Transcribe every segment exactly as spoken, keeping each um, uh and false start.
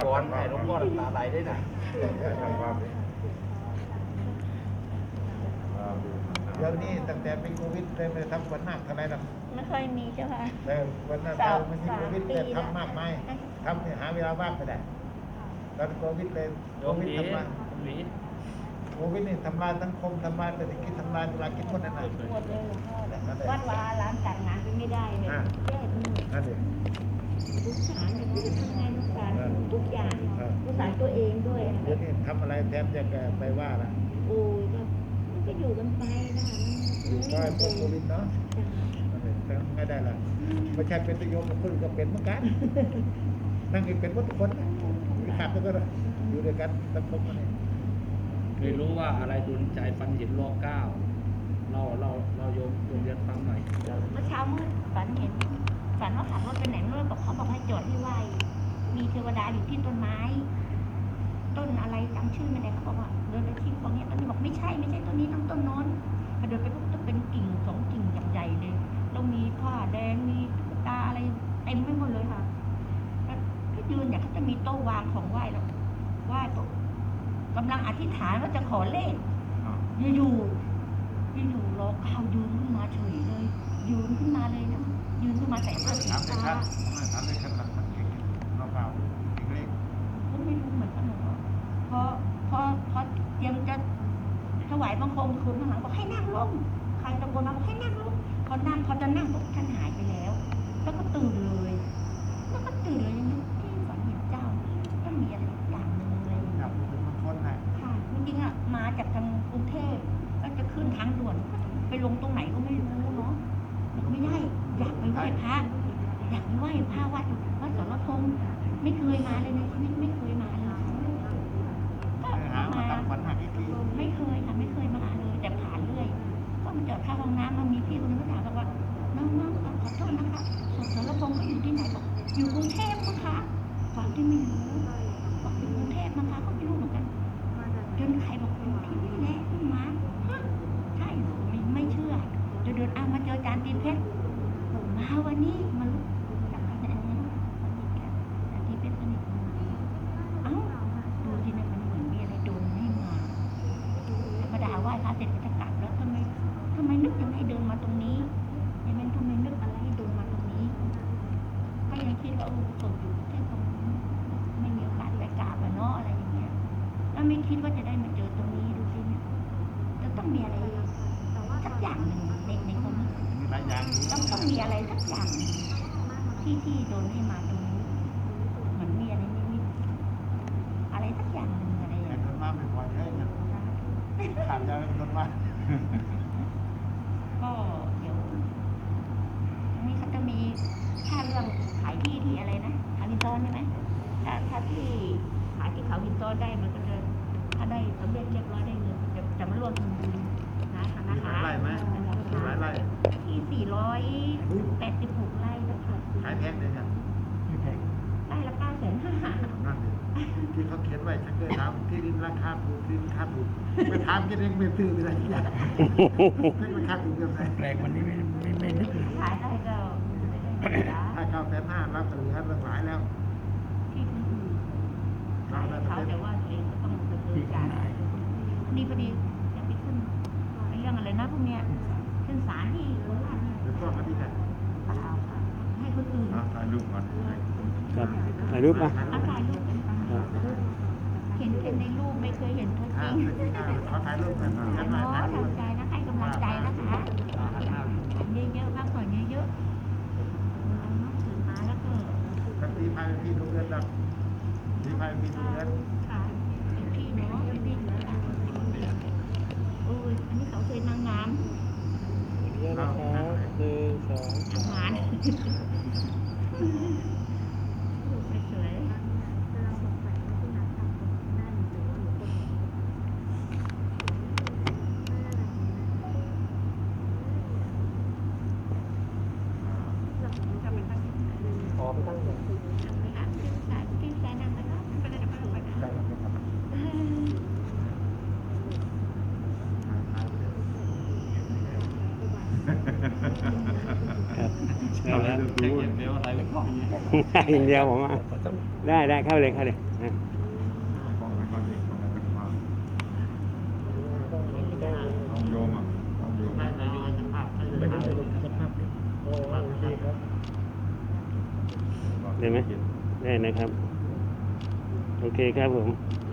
ก่อนให้หลวงพ่อน้ำตาไหลได้นะเดี๋ยวนี้ตั้งแต่เป็นโควิดเลยไม่ทำวันหนักเท่าไรหรอกไม่เคยมีใช่ไหมแต่วันหนักเราไม่มีโควิดเลยทำมากมายทำเนี่ยหาเวลาว่างไม่ได้ตอนโควิดเลยโควิดทำลายโควิดนี่ทำลายสังคมทำลายเศรษฐกิจทำลายเวลากินคนนั้นน่ะหมดเลยหลวงพ่อวัดวาร้านจัดงานก็ไม่ได้เลยแย่ทุกนั่นเองทุกสารทุกทำงานทุกสารทุกอย่างทุกสารตัวเองด้วยเดี๋ยวนี้ทำอะไรแทนจะแกไปว่าล่ะโอ้ยก็ก็อยู่กันไปนะอยู่ก็พวกโควิดเนาะนั่นเองไม่ได้ละไม่ใช่เป็นตัวโยมกับคนก็เป็นเหมือนกันนั่งอีกเป็นหมดทุกคนมีขาดก็ได้อยู่ด้วยกันสังคมมันเองไม่รู้ว่าอะไรดลใจฟันเห็นรอเก้าเราเราเราโยมโยมเรียนฟังหน่อยเมื่อเช้ามืดฝันเห็นฝันว่าขับรถไปไหนไม่รู้บอกเขาบอกให้จอดที่ไหวมีเทวดาอยู่ที่ต้นไม้ ต้นอะไรจำชื่อไม่ได้เขาบอกว่าเดินไปที่ตรงนี้ต้นนี้บอกไม่ใช่ไม่ใช่ต้นนี้ต้องต้นโน้นพอเดินไปปุ๊บจะเป็นกิ่งสองกิ่งใหญ่ๆเลยแล้วมีผ้าแดงมีตุ๊กตาอะไรเต็มไปหมดเลยค่ะแล้วก็ยืนเนี่ยเขาจะมีโต๊ะวางของไหว้แล้วไหว้โต๊ะกำลังอธิษฐานว่าจะขอเลขอยู่ๆอยู่ๆรอข้าวยืนขึ้นมาเฉยเลยยืนขึ้นมาเลยนะยืนขึ้นมาใส่ผ้าสีถามเลยคฟ้ารับถามเลยครับหลักๆเก่งเราเปล่าเล็กก็ไม่รู้เหมือนกันหรอกพอพอพอเตรียมจะถวายบังคมคืนข้างหลังบอกให้นั่งลงใครตะโกนมาบอกให้นั่งลงพอนั่งพอจะนั่งปุ๊บท่านหายไปแล้ว แล้วก็ตื่นเลยแล้วก็ตื่นเลยยังนึกที่ฝันเห็นเจ้าต้องมีอะไรอย่างหนึ่งอะไรอย่างๆเงี้จัยบเป็นบางคนนะค่ะจริงๆอ่ะมาจากทางกรุงเทพก็จะขึ้นทางด่วนไปลงตรงไหนก็ไม่รู้เนาะไม่ได้อยากไปไหว้พระอยากไปไหว้พระวัดวัดสรพงษ์ไม่เคยมาเลยในชีวิตไม่เคยมาเลยก็หามามาทำขวัญหักอีกทีไม่เคยค่ะไม่เคยมาเลยแต่ผ่านเรื่อยก็มาจอดเข้าห้องน้ำมามีพี่คนนึงก็ถามบอกว่าน้องๆขอโทษนะคะสรพงษ์เขาอยู่ที่ไหนบอกอยู่กรุงเทพมั้งคะฟังที่ไม่รู้บอกอยู่กรุงเทพมั้งคะก็ไม่รู้เหมือนกันจนใครบอกอยู่ที่นี่แหละขึ้นมาฮะใช่เหรอไม่ไม่เชื่อจนเดินเอามาเจอจานตีนเพชรมาวันนี้มาลุกจากที่ไหนเนี่ยสนิทกันจานตีนเพชรสนิทกันเอ้าดูที่นั่นมันเหมือนมีอะไรโดนให้มาธรรมดาไหว้พระเสร็จก็จะกลับแล้วทำไมทำไมนึกยังให้เดินมาตรงนี้ยังไม่ทำไมนึกอะไรให้เดินมาตรงนี้ก็ยังคิดว่าโอ้ตกอยู่แค่ตรงนี้ไม่มีโอกาสไปกราบอะเนาะอะไรอย่างเงี้ยแล้วไม่คิดว่าจะได้มาเจอตรงนี้ดูสิเนี่ยจะต้องมีอะไรสักอย่างหนึ่งในในความรู้สึกมีหลายอย่างต้องต้องมีอะไรสักอย่างหนึ่งที่ที่โดนให้มาตรงนี้เหมือนมีอะไรนิดๆอะไรสักอย่างหนึ่งอะไรอย่างแต่เงี้ยคนมาไม่พอเลยนะขาดใจเป็นคนมาก็เดี๋ยวอันนี้เขาจะมีถ้าเรื่องขายที่ที่อะไรนะขายวินโซนใช่ไหมถ้าถ้าที่ขายที่เขาวินโซนได้มันก็จะถ้าได้สำเร็จเรียบร้อยได้เงินจะจะมาร่วมทำบุญนะธนามีหคาลายรไร่ไหมมีหลายไร่ที่สี่ร้อยแปดสิบหกไร่นะคะขายแพงเลยเนี่ยไร่ละเก้าแสนห้านั่นเลยที่เขาเขียนไว้ฉันเคยถามที่ดินราคาถูกที่ดินราคาถูกไปถามกันเองไม่ซื้อไปอะไรอย่างไม่ราคาถูกเกินไปแปลกวันนี้ไม่ไม่ไม่นึกเลยขายได้ก็ได้เงินนะถ้าเก้าแสนห้ารับเหลือเรื่องหลายแล้วที่คนอื่นขายให้เขาแต่ว่าตัวเองก็ต้องดำเนินการนี่พอดีจะไปขึ้นในเรื่องอะไรนะพวกเนี้ยขึ้นศาลที่โคราชเนี่ยเดี๋ยวก็มาดีกันเปล่าค่ะให้คนอื่นถ่ายรูปก่อนครับถ่ายรูปมาเอาถ่ายรูปกันเห็นแต่ในรูปไม่เคยเห็นตัวจอ่าริงขอถ่ายรูปกันแต่กันหมมาอถ่ายรูปทำใจนะให้กำลังใจนะคะเยอะๆพักผ่อนเยอะๆเอาเนาะตื่นมาแล้วก็กันตีพายพี่ดูเงินดับตีพายพี่ดูเงินค่ะเป็นพี่เนาะเป็นพี่โอ้ยอันนี้เขาเคยนางงามเยอะนะครับหนึ่งสองทำงานลูกสวยๆขอไปตั้งใจทำเลยค่ะที่สายที่สายนั่งแล้วก็ไปเลยเดี๋ยวไปลงไปค่ะได้ครับครับครับเอาแล้วเช็คอย่างเดียวอะไรไม่พออย่างเดียวผมอ่ะต้องได้ได้เข้าเลยเข้าเลยนะกองก่อนดิกองกันมาของโยมอ่ะของโยมได้นายโยมสภาพให้เลยสภาพโอ้ดีครับได้ไหมได้นะครับ โอเคครับผม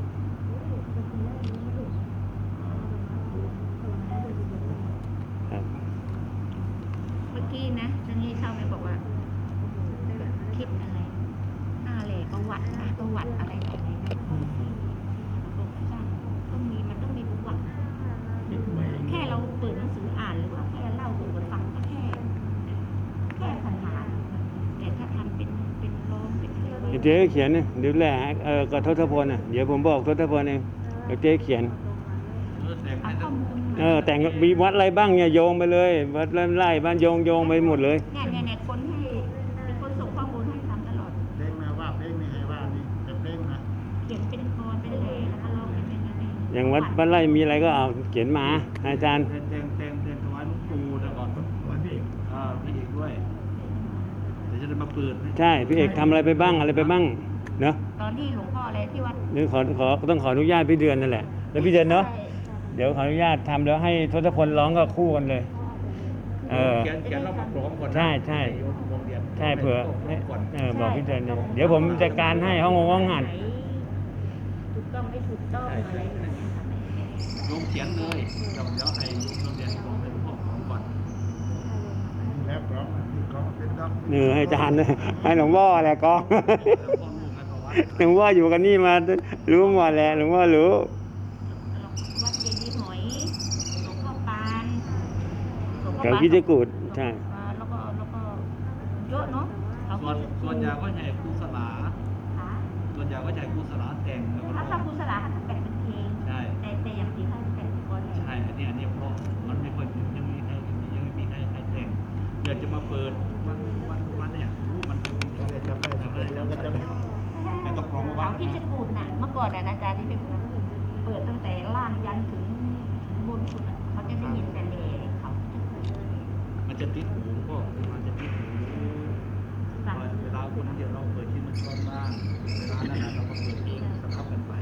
ครับเมื่อกี้นะตอนนี้เข้าไปบอกว่าคิดอะไรอะไรประวัตินะประวัติอะไรต่ออะไรนะบอกว่าต้องมีมันต้องมีประวัติแค่เราเปิดหนังสืออ่านหรือว่าแค่เล่าสู่กันฟังก็แค่แค่ผ่านๆแต่ถ้าทำเป็นเป็นร้องเป็นอะไรเดี๋ยวเจ๊เขียนนะเดี๋ยวแหละเออกับทศพลน่ะเดี๋ยวผมบอกทศพลเองเดี๋ยวเจ๊เขียนเออแต่งเอาให้ข้อทั้งมูลมาเออแต่งมีวัดอะไรบ้างเนี่ยโยงไปเลยวัดไล่บ้านโยงโยงไปหมดเลยเนี่ยเนี่ยเนี่ยคนให้เป็นคนส่งข้อมูลให้ทำตลอดเพลงนะว่าเพลงนี่ให้ว่านี่แต่เพลงนะเขียนเป็นกรเป็นเลแล้วก็ร้องเป็นเป็นอะไรอย่างวัดบ้านไร่มีอะไรก็เอาเขียนมาอาจารย์แทงแทงแทงแทงถวายหลวงปู่แต่ก่อนวันพี่อ่าพี่เอกด้วยเดี๋ยวจะได้มาเปิดให้ใช่พี่เอกทำอะไรไปบ้างอะไรไปบ้างเนาะตอนที่หลวงพ่ออะไรที่วัดนี่ขอขอต้องขออนุญาตพี่เดือนนั่นแหละแล้วพี่เดือนเนาะเดี๋ยวขออนุญาตทำแล้วให้ทศพลร้องก็คู่กันเลย เออเขียนเขียนแล้วมาพร้อมก่อนนะใช่ใช่โยมโรงเรียนใช่เผื่อพร้มก่อนเออบอกพี่เดือนเลยเดี๋ยวผมจัดการให้ห้องงงห้องหัดถูกต้องไม่ถูกต้องอะไรอย่างเงี้ยค่ะโยมเขียนเลยเดี๋ยวเดี๋ยวให้โยมโรงเรียนลงให้หลวงพ่อพร้อมก่อนแล้วร้องที่เขาเป็นด็อกเนื้อให้อาจารย์เลยให้หลวงพ่อแหละกองแล้วพ่อลูกให้ประวัติหลวงพ่ออยู่กันนี่มารู้หมดแหละหลวงพ่อรู้วัดเจดีย์หอยหลวงพ่อปานหลวงพ่อเขาปานคิดจะกูดใช่อ่าแล้วก็แล้วก็เยอะเนาะเขาส่วนส่วนใหญ่ก็ใช้ครูสลาค่ะส่วนใหญ่ก็ใช้ครูสลาแต่งแล้วก็ถ้าร้ถ้าองครูสลาเขาจะแต่งเป็นเพลงใช่แต่แต่อย่างที่เขาแต่งเป็นกรใช่ อันนี้อันนี้เพราะมันไม่ค่อยยังมีใครยังไม่มีใครใครแต่งเดี๋ยวจะมาเปิดวันวันวันเนี่ยรู้มันเป็นจะได้จำได้จำได้แล้วก็จะไม่แต่ต้องกรองเขาว่าที่จะกูดน่ะเมื่อก่อนน่ะนะจ๊ะที่เป็นเปิดตั้งแต่ล่างยันถึงบนสุดน่ะเขาจะได้ยินแต่เลเขามันจะติดหูก็มันจะติดหูฟังเวลาคนเดียวเราเปิดที่มันซ้อนบ้างเวลานั้นเราก็เปิดเองสลับกันไป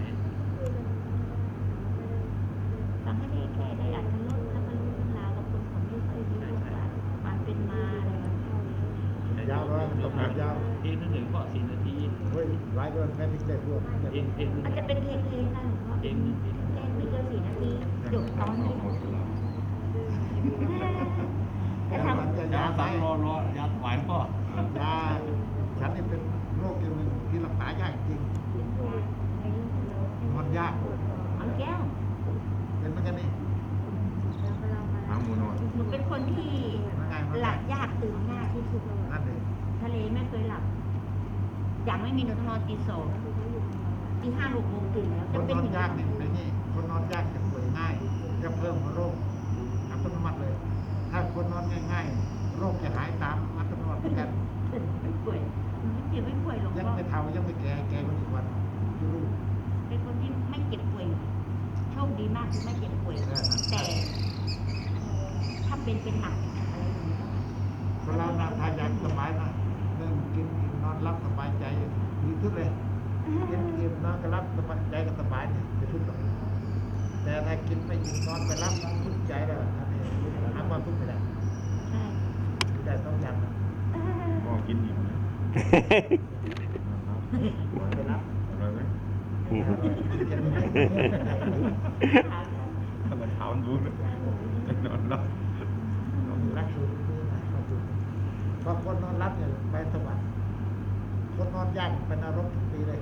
ฟังให้ได้แค่ได้อัตลดแล้วก็รู้เรื่องราวบางคนเขาไม่เคยรู้ว่าความเป็นมาอะไรแบบนี้ยาวร้อยตกหนักยาวเพลงนึงก็สี่นาทีเฮ้ยหลายเดือนแม่พิเศษด้วยเพลงเพลงนึงมันจะเป็นเพลงเพลงนะหลวงพ่อเพลงนึงเพลงไม่เกินสี่นาทีจบตอนนี้จะทำยาสามรอรอยาถวายพ่อยาฉันนี่เป็นโรคอย่างหนึ่งที่รักษายากจริงมันยากเอาแก้วเป็นเหมือนกันนี่หางหมูนอนหนูเป็นคนที่มันง่ายมันหลัง่าบยยากตื่นง่ายที่สุดนั่นเองทะเลไม่เคยหลับ อย่างไม่มีหนูต้องนอนตีสองตีห้าหกโมงตื่นแล้วคจะนเป็นนอนอย่างยากนี้เนี่ยเป็นนี่คนนอนยากจะป่วยง่ายจะเพิ่มโรคอัตโนมัติเลย ถ้าคนนอนง่ายๆ โรคจะหายตามอัตโนมัติเหมือนกันไม่ป่วยหนูไม่เจ็บไม่ป่วยหรอกยังเพราะไม่เท่ายังไม่แก่แก่กว่าอีกวันจะรู้เป็นคนที่ไม่เจ็บป่วยโชคดีมากที่ไม่เจ็บป่วยเออแต่ถ้าเป็นเป็นหนักอะไรอย่างเงี้ยคนเรานะทานยาสบายนะเรื่องกินอิ่มนอนรับสบายใจดีทุกเลยกินอิ่มนอนก็รับสบายใจก็สบายเนี่ยจะทุกข์หรอกแต่ถ้ากินไม่อิ่มนอนไม่รับทุกข์ใจแล้วอันนี้หาความทุกข์ไม่ได้ใช่ไม่ได้ต้องอย่างนะก็กินอิ่มนะไม่รับอะไรไหมกินไม่ได้ถ้ามันเท้ามันรู้นะจะนอนรับรักสูตรนี้นะรักสูตรพอคนนอนรับเนี่ยไปสวรรค์คนนอนยากเป็นนรกทุกปีเลย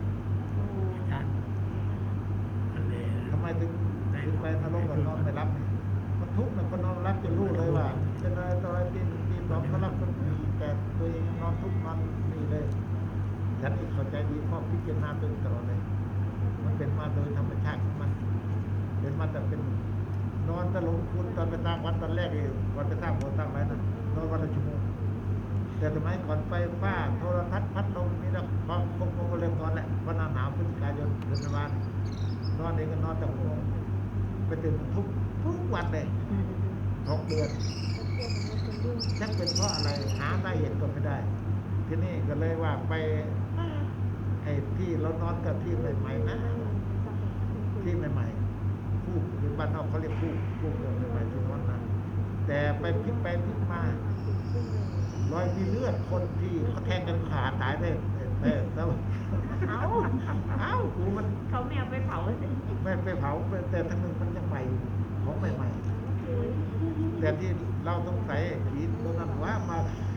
ทำไมถึงถึงไปนรกกับนอนไม่รับเนี่ยมันทุกข์นะคนนอนรับจะรู้เลยว่าเป็นอะไรต่ออะไรตีตีสองเขารับคนดีแต่ตัวเองนอนทุกข์นอนนี่เลยฉันเองเข้าใจดีเพราะพิจารณาตัวเองตลอดเลย มันเป็นมาโดยธรรมชาติของมัน เป็นมาแต่เป็นนอนตะลงคุณตอนไปตั้งวัดตอนแรกเองวันไปตั้งโบสถ์ตั้งไรนั่นนอนวันละชั่วโมงแต่สมัยก่อนไฟฟ้าโทรทัศน์พัดลมมีแล้วพอคงคงก็เริ่มนอนแหละวันหน้าหนาวพฤศจิกายนเดือนธันวาคมนอนเองก็นอนแต่หกโมงไปตื่นทุกทุกวันเลยหกเดือนชักเป็นเพราะอะไรหาสาเหตุก็ไม่ได้ ที่นี่ก็เลยว่าไปไอ้ที่เรานอนกับที่ใหม่ๆนะที่ใหม่ๆคู่หรือบ้านนอกเขาเรียกคู่คู่เดิมใหม่ๆที่นอนนะแต่ไปพลิกไปพลิกมารอยมีเลือดคนที่เขาแทงกันขาตายได้แต่แต่เอ้าเอ้ากูมันเขาไม่เอาไปเผาสิไม่ไปเผาแต่ทั้งนึงมันยังใหม่ของใหม่ๆแต่ที่เราต้องใส่ผีตัวนั้นว่ามา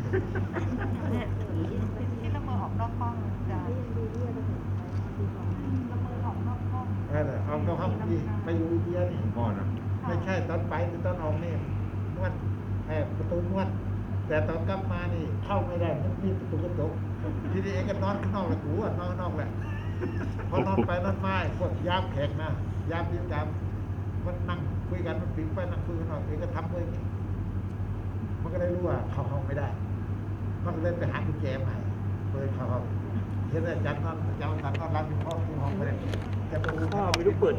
ที่ละเมอออกนอกห้องจ้ะละเมอออกนอกห้องเออเอาเราเข้าไปไปอยู่อินเดียนี่พ่อนะไม่ใช่ตอนไปคือตอนออกนี่นวดแอบประตูนวดแต่ตอนกลับมานี่เข้าไม่ได้มันมีประตูกระจกทีนี้เองก็นอนข้างนอกแหละกูอ่ะนอนข้างนอกแหละพอนอนไปนอนมาพวกยามแขกนะยามดินยามมันนั่งคุยกันมันปิดไปนั่งคุยกันหน่อยเองก็ทำเลยมันก็ได้รู้ว่าเข้าห้องไม่ได้มันก็เลยไปหากุญแจใหม่เปิดเข้าห้องเห็นอาจารย์นอนอาจารย์นอนรับที่ห้องที่ห้องไม่ได้จะไปดูพ่อไม่รู้เปิด